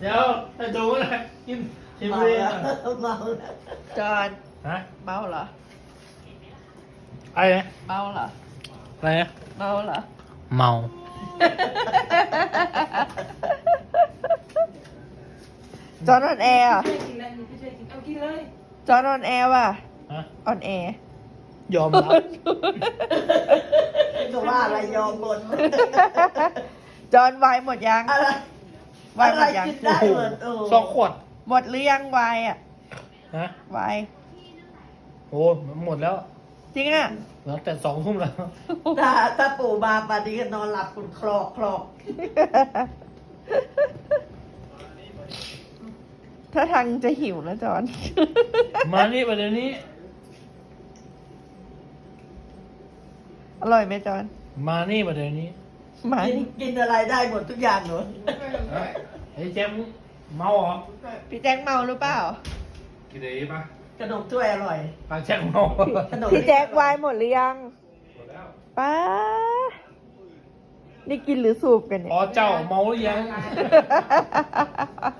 เดี๋ยวไอ้ดูอะไรกินชิมเมาเลยแล้วเมาแล้วจอนฮะเมาเหรออะไรนะเมาเหรออะไรนะเมาเหรอเมาจอนออนแอร์อ่ะกินแล้วนี่พี่ช่วยกินเอากินเลยจอนออนแอร์ว่ะฮะออนแอร์ยอมรับก็ว่าอะไรยอมหมดจอนไวน์หมดยังอะไรไวน์หมดยังกินได้หมดโอ้สองขวดหมดหรือยังไวน์อ่ะฮะไวน์โอ้มันหมดแล้วจริงอ่ะหลังแต่2 ทุ่มแล้วถ้าปู่มาป่านนี้ก็นอนหลับคุณคลอกคลอกถ้าทางจะหิวนะจอนมานี่ประเดี๋ยวนี้อร่อยไหมจอนมานี่ประเดี๋ยวนี้มากินอะไรได้หมดทุกอย่างหนูไอ้แจมเมาเหรอพี่แจ็คเมาหรือเปล่ากินอะไรปะขนมถ้วยอร่อยปากแจ็คเมาขนมพี่แจ็คไวน์หมดหรือยังหมดแล้วป้า นี่กินหรือสูบกันเนี่ยอ๋อเจ้าเมาหรือยัง